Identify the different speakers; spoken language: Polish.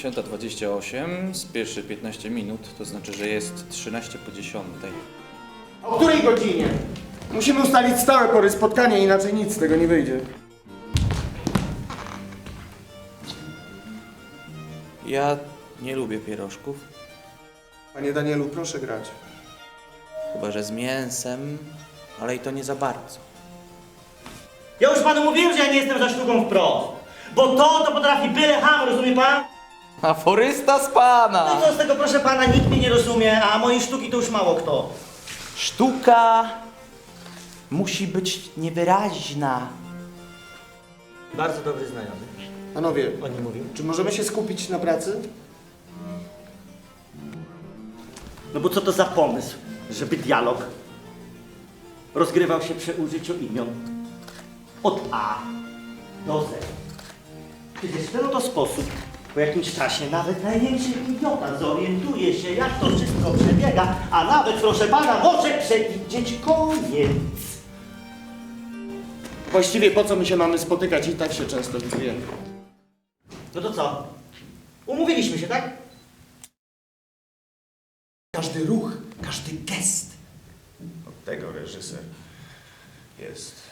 Speaker 1: 10:28, spieszy 15 minut, to znaczy, że jest 13 po 10.
Speaker 2: O której godzinie? Musimy ustalić stałe pory spotkania, inaczej nic z tego nie wyjdzie.
Speaker 1: Ja nie lubię pierożków,
Speaker 2: Panie Danielu, proszę grać.
Speaker 1: chyba że z mięsem, ale i to nie za bardzo.
Speaker 3: Ja już panu mówiłem, że ja nie jestem za sztuką wprost. Bo to potrafi byle ham, rozumie pan?
Speaker 1: Aforysta z
Speaker 3: No
Speaker 1: pana!
Speaker 3: i co z tego, proszę pana, nikt mnie nie rozumie, a mojej sztuki to już mało kto.
Speaker 1: Sztuka musi być niewyraźna.
Speaker 3: Bardzo dobry znajomy.
Speaker 2: Panowie,
Speaker 3: On nie mówił.
Speaker 2: czy możemy się skupić na pracy?
Speaker 3: No bo co to za pomysł, żeby dialog rozgrywał się przy użyciu imion od A do Z. Przecież w ten oto sposób po jakimś czasie nawet największy idiota zorientuje się, jak to wszystko przebiega, a nawet, proszę pana, może przewidzieć koniec.
Speaker 2: Właściwie po co my się mamy spotykać? I tak się często widujemy.
Speaker 3: No to co? Umówiliśmy się, tak?
Speaker 2: Każdy ruch, każdy gest. Od tego reżyser jest